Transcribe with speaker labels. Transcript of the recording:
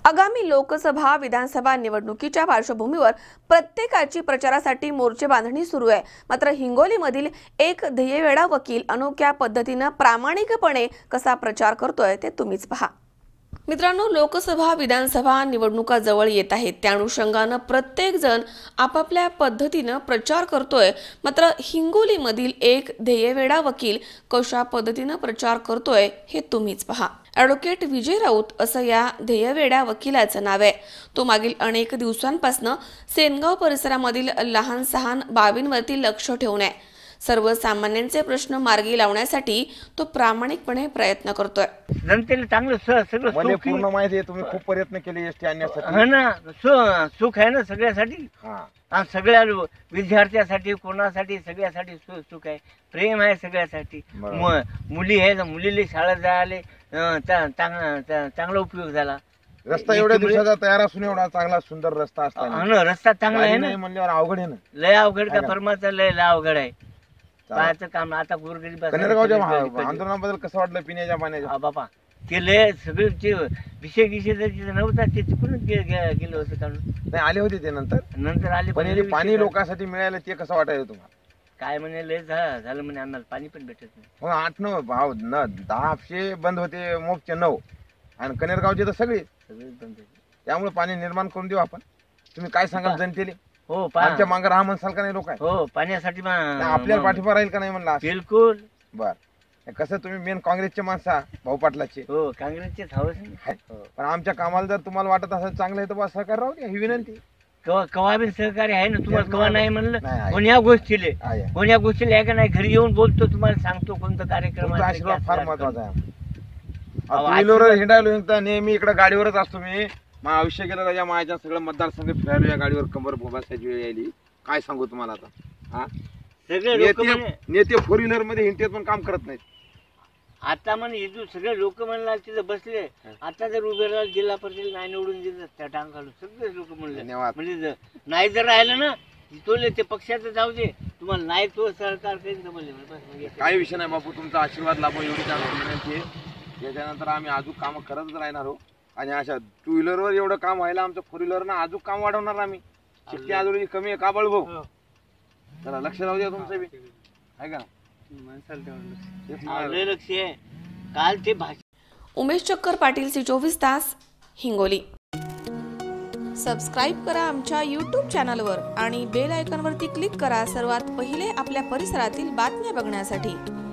Speaker 1: आगामी लोकसभा विधानसभा निवडणुकीच्या पार्श्वभूमीवर प्रत्येकाची प्रचारासाठी मोर्चे बांधणी सुरू आहे। मात्र हिंगोलीमधील एक ध्येयवेडा वकील अनोख्या पद्धतीने प्रामाणिकपणे कसा प्रचार करतोय ते तुम्हीच पहा। मित्रांनो, लोकसभा विधानसभा निवडणुका जवळ येत आहेत, त्या अनुषंगाने प्रत्येक जण आपापल्या पद्धतीने प्रचार करतोय। मात्र हिंगोलीमधील एक ध्येयवेडा वकील कशा पद्धतीने प्रचार करतोय हे तुम्हीच पहा। ॲडव्होकेट विजय राऊत असं या ध्येयवेडा वकिलाचं नाव आहे। तो मागील अनेक दिवसांपासून सेनगाव परिसरामधील लहान सहान बाबींवरती लक्ष ठेवून आहे। सर्वसामान्यांचे प्रश्न मार्गी लावण्यासाठी तो प्रामाणिकपणे प्रयत्न करतोय।
Speaker 2: जनतेला चांगलं सगळं
Speaker 3: मला
Speaker 2: सुख
Speaker 3: पूर्ण माहिती आहे, तुम्ही खूप प्रयत्न केले एसटी आणण्यासाठी।
Speaker 2: आहे ना, सुख आहे ना सगळ्यासाठी। सगळ्या विद्यार्थ्यासाठी, कोणासाठी, सगळ्यासाठी सुख आहे, प्रेम आहे सगळ्यासाठी। मुली आहे, मुलीला शाळेत जायला चांगला उपयोग झाला।
Speaker 3: रस्ता एवढ्या दिवसाचा तयार असून एवढा चांगला सुंदर रस्ता असताना
Speaker 2: रस्ता चांगला आहे ना,
Speaker 3: म्हणल्यावर अवघड आहे ना।
Speaker 2: लय अवघड का फर्माचं लय अवघड आहे पाहायचं काम। आता गोरगरीब
Speaker 3: कनेरगावच्या आंदोलनाबद्दल कसं वाटलं पिण्याच्या पाण्याच्या?
Speaker 2: बाबा ते लय सगळे ते विषय नव्हता, ते चुकूनच गेलं होतं काढून।
Speaker 3: नाही आले होते ते नंतर
Speaker 2: आले,
Speaker 3: पण पाणी लोकांसाठी मिळालं ते कसं वाटायचं तुम्हाला?
Speaker 2: काय म्हणे लय झालं म्हणे, आम्हाला पाणी पण भेटत नाही।
Speaker 3: मग 8-9 भाव 10 हापशे बंद होते, मोपचे 9 आणि कनेरगावचे तर सगळे
Speaker 2: बंद होते।
Speaker 3: त्यामुळे पाणी निर्माण करून देऊ आपण। तुम्ही काय सांगाल जनतेला?
Speaker 2: हो,
Speaker 3: आमच्या मागे राहा म्हणसाल का नाही लोक?
Speaker 2: हो, पाण्यासाठी
Speaker 3: आपल्याला पाठिंबा राहील का नाही म्हणला?
Speaker 2: बिलकुल।
Speaker 3: बर, कसं तुम्ही मेन काँग्रेसचे माणसा भाऊ पाटलाचे?
Speaker 2: हो, काँग्रेसचे हवस।
Speaker 3: पण आमच्या कामाला जर तुम्हाला वाटत असेल चांगलं आहे तर बस सहकार राहू द्या, ही विनंती।
Speaker 2: कवा बी सहकार्य आहे ना तुम्हाला, कवा नाही म्हणलं कोण्या गोष्टीला आहे का नाही, घरी येऊन बोलतो, तुम्हाला सांगतो कोणतं कार्यक्रम।
Speaker 3: आशीर्वाद फार महत्वाचा आहे। व्हीलर हिंडायला नेहमी इकडे गाडीवरच असतो मी। माझं आयुष्य गेलं त्याच्या माझ्या सगळं मतदारसंघ फिरायलो या गाडीवर, कंबर बसायची वेळ यायली। काय सांगू तुम्हाला आता? नेते 4 व्हीलर मध्ये हिंडतेत पण काम करत नाहीत।
Speaker 2: आता म्हणे सगळे लोक म्हणला तिथं बसले, आता जर उभे राहिला जिल्हा परिषद नाही निवडून दिलं त्या टांग घालून सगळे लोक म्हणले म्हणजे नाही जर राहिलं ना तोले ते पक्षाचं जाऊ दे, तुम्हाला नाही तो सरकार काही
Speaker 3: काही विषय नाही बापू, तुमचा आशीर्वाद लाभो एवढी विनंती आहे। त्याच्यानंतर आम्ही अजून काम करतच राहणार आहोत आणि अशा 2 व्हीलरवर एवढं काम व्हायला आमचं 4 व्हीलरनं अजून काम वाढवणार आम्ही। शिट्टी आजोळी कमी आहे का बळभाऊ? चला लक्ष राहू द्या तुमचं बी, आहे का?
Speaker 2: लक्ष आहे काल ते
Speaker 1: उमेश चक्कर पाटील, C24 तास, हिंगोली। सबस्क्राईब करा आमच्या YouTube चॅनलवर आणि बेल आयकॉनवरती क्लिक करा सर्वात पहिले आपल्या परिसरातील बातम्या बघण्यासाठी।